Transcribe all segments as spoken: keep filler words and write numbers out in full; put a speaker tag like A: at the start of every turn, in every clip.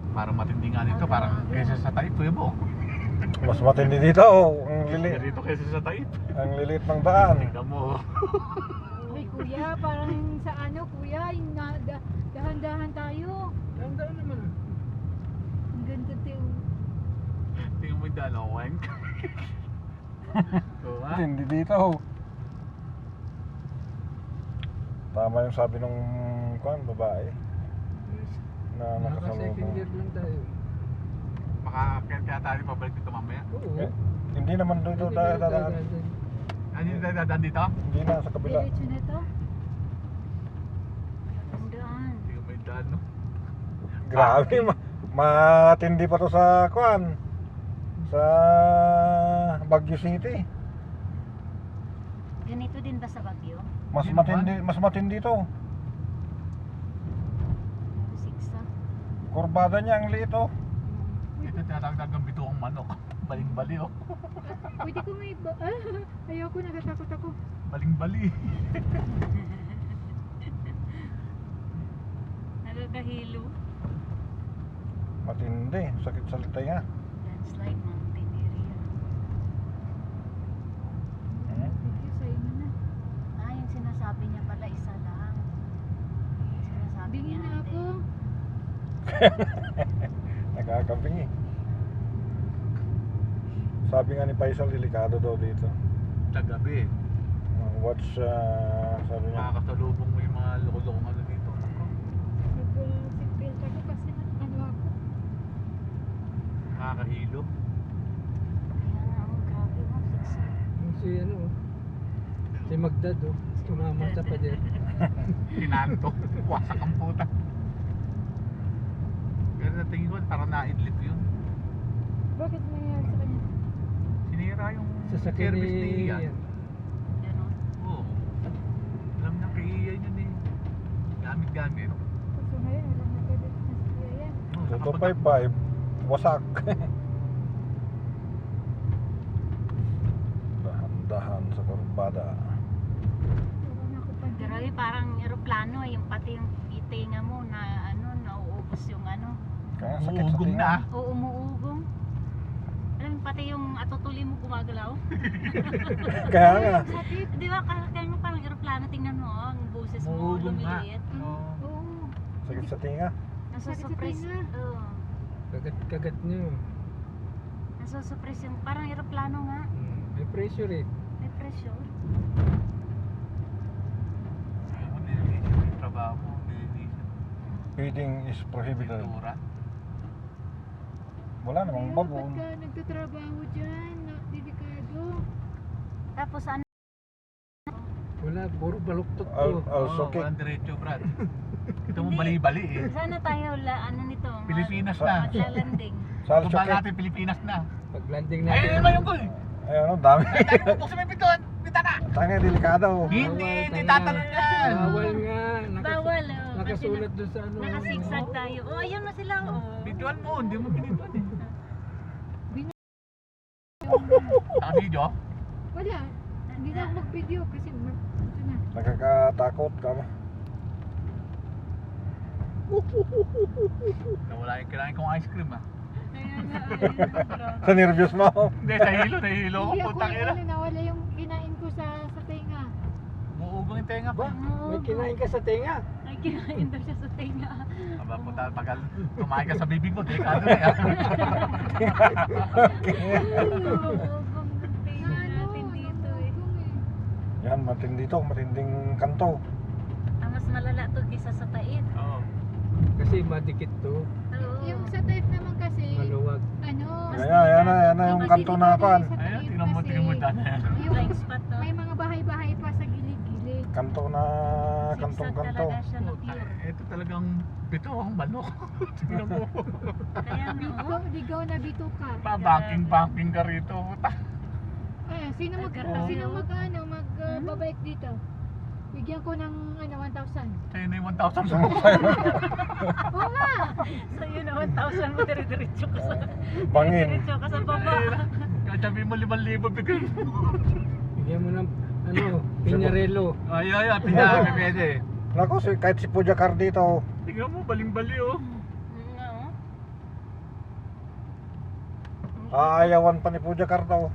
A: Parang matindi nga dito, parang kaysa sa Taip, Kuya Bo.
B: Mas matindi dito. Oh. Ang
A: Hindi
B: lilit.
A: dito kaysa sa Taip.
B: Ang lilit ng daan.
A: Tingnan mo.
C: Ay kuya, parang sa ano kuya, yung na, da, dahan-dahan tayo.
D: Dahan-dahan naman.
C: Ang ganda tayo.
A: Tingnan mo yung dalawan. Oo ha?
B: Hindi dito. Tama yung sabi nung kuan babae na
D: Naka-second
B: nakasalubong.
D: year lang tayo.
A: Makakakit kaya tayo pabalik dito mamaya.
D: Oo.
B: Eh, hindi naman dito
D: Hindi
B: tayo
D: tayo
B: dadaan.
D: dadaan.
A: Ano yung dadaan dito?
B: Hindi na sa kabila.
C: Diretso na to. Ang daan.
A: Tingnan mo yung daan, no?
B: Grabe, ma- matindi pa to sa kuan. Sa Baguio City.
E: Ganito din ba sa Baguio?
B: Mas
A: Hindi
B: matindi, mas matindi to.
E: Siksa.
B: Kurbada niya ang liit oh.
A: Ito tinatawag ng bituang manok. Baling-bali, oh.
C: Pwede ko may ba... Ah, ayoko, nagatakot ako.
A: Baling-bali.
E: Nagagahilo.
B: Matindi, sakit sa tenga.
E: Landslide mountain area.
B: Hmm?
C: Thank you, sa'yo na na.
E: Ah, yung sinasabi niya pala isa lang. Yung sinasabi
C: Bingin
E: niya
C: na ako.
B: Nakakabingi. Sabi nga ni Faisal, delikado daw dito.
A: Tagabi.
B: Uh, watch, uh, sabi niya.
A: Makakasalubong mo yung mga loko-lokong ano dito. Ako.
C: Nag-seatbelt ako kasi ano ako.
A: Nakakahilo.
E: Kaya nga, oh, grabe mo, siksa.
D: Yung si ano, si Magdad oh. Tumama sa pader.
A: Kinanto. Wasak ang puta. Pero sa tingin ko, parang naidlip yun.
C: Bakit nangyayari sa kanya?
A: Sinira yung
D: Sasakyan
A: service ni
D: ni
A: Ian.
E: Ganon.
A: Oo. Alam niya kay Ian yun eh. Gamit-gamit.
C: Kaso ngayon, wala na galit na si Kuya yan.
A: Oo,
B: two
A: nakapag-
B: five five, wasak. Dahan-dahan sa kurbada.
C: Wala na ako pa.
E: Grabe, parang eroplano, eh, yung pati yung itinga mo na ano, nauubos yung ano.
B: Kaya sakit sa
A: Uugong
B: tinga.
A: na.
E: O umuugong. Alam mo, pati yung atutuli mo gumagalaw.
B: Kaya nga.
C: Sakit.
E: Di ba, kaya kaya nga parang eroplano, tingnan mo, oh, ang boses mo
A: Uugong nga.
E: lumiliit.
A: Oo.
C: Oo.
B: Sakit sa tinga.
E: Nasusurprise.
C: Sakit sa tinga.
E: Oo.
D: Kagat-kagat niyo.
E: Nasusurprise yung parang eroplano nga.
D: Hmm. May pressure eh.
E: May pressure.
A: Ayaw mo, nililisan yung trabaho mo. Nililisan.
B: Feeding is prohibited.
A: Pintura.
B: Wala namang
C: Kaya
B: bago.
C: ba't ka nagtatrabaho dyan? Na, delikado.
E: Tapos ano,
D: Wala, puro baluktot
B: Al,
D: to.
B: al
A: Oo,
B: sokik.
A: walang diretso, Brad. Ito mo
E: Hindi.
A: bali-bali eh.
E: sana tayo, la, ano nito? mag-
A: Pilipinas na.
E: Maglalanding.
B: Sa al
A: Tumba
B: sokik.
A: natin, Pilipinas na.
D: Pag landing
A: Ay,
D: natin.
A: ano ba yung goal?
B: Ay ano, dami.
A: Ay, tayo pupok sa may pintuan. Bitana.
B: Tanga, delikado.
A: Hindi,
D: Bawal,
A: hindi
D: tanga.
A: tatanong yan.
D: Bawal nga. Nakas-
E: Bawal, oh.
D: Nakasulat doon sa ano.
E: Nakasigsag tayo. Oh, ayun na sila, oh.
A: Bituan mo, hindi mo pinituan eh.
C: Bin-
A: Naka-video?
C: Wala. Hindi na ako mag-video kasi mag- ito na.
B: Nakakatakot ka mo.
A: Nawala yung kinain kong ice cream ah.
E: Ayun na, ayun na.
B: Sa nervyos mo.
A: Hindi, nahilo, nahilo ko.
C: Hindi ako
A: Putang ina.
C: ano, nawala yung kinain ko sa sa tenga.
A: Muugong yung tenga ko.
D: Ba? May kinain ka sa tenga.
E: Ay, kinain daw siya sa tenga.
A: Aba, puta, pag kumain ka sa bibig mo, delikado na yan.
E: Umuugong ng tenga natin dito, eh.
B: Yan, matindi to, matinding kanto.
E: Ang mas malala to kisa sa tait.
A: Oo.
D: Kasi madikit to.
E: Oo.
C: Yung sa type naman kasi,
D: Maluwag.
C: ano,
B: Yan, yan, yan, na, yan na yung kanto na pan.
C: sa
A: Ayun,
C: type
A: tingnan mo,
C: kasi,
A: tingnan mo dyan.
E: Yung blind spot to.
C: may mga bahay-bahay pa sa gilid-gilid.
B: Kanto na,
E: Sigsag
B: kantong kanto.
E: talaga siya na
A: Puta,
E: pure.
A: ito talagang bito ang manok. Tingnan mo.
E: Kaya nga,
C: Ligaw,
E: oh.
C: ligaw na bituka.
A: Pa-banking-banking ka rito. Puta.
C: Eh, sino mag,
E: Ay, grabe,
C: sino
E: oh.
C: mag, ano, mag, uh,
E: Hmm?
C: babike dito? Bigyan ko ng, ano, one thousand.
A: Sa'yo na yung one thousand mo.
C: Oo nga!
E: Sa'yo na one thousand mo, dire-diretso ka sa...
B: Bangin.
E: Diretso ka sa baba.
A: Kahit sabihin mo limang libo bigay.
D: Bigyan mo ng ano, pinyarelo.
A: Ay, ay, ay, pinaka pwede.
B: Nako, si, kahit si Pujakar dito.
A: Tingnan mo, baling-bali oh.
E: Mm, oo.
B: Aayawan pa ni Puja Carta oh.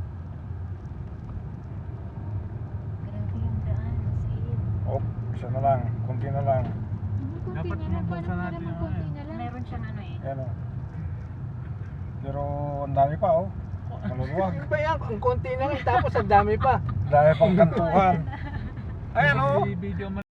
E: Grabe yung daan, Sid.
B: Oh, isa na lang, kunti na lang.
C: Ano,
A: Dapat
C: konti na lang.
A: mabuksan
C: Paano
A: natin
C: naman
A: yung
C: konti
A: ano.
C: na lang?
E: Meron siyang ano eh.
B: Ayan oh. Pero ang dami pa oh. Maluluwag.
D: Ano ba yan? Ang konti na lang tapos ang dami pa.
B: Dami pang kantuhan. Ayan oh.
A: May video man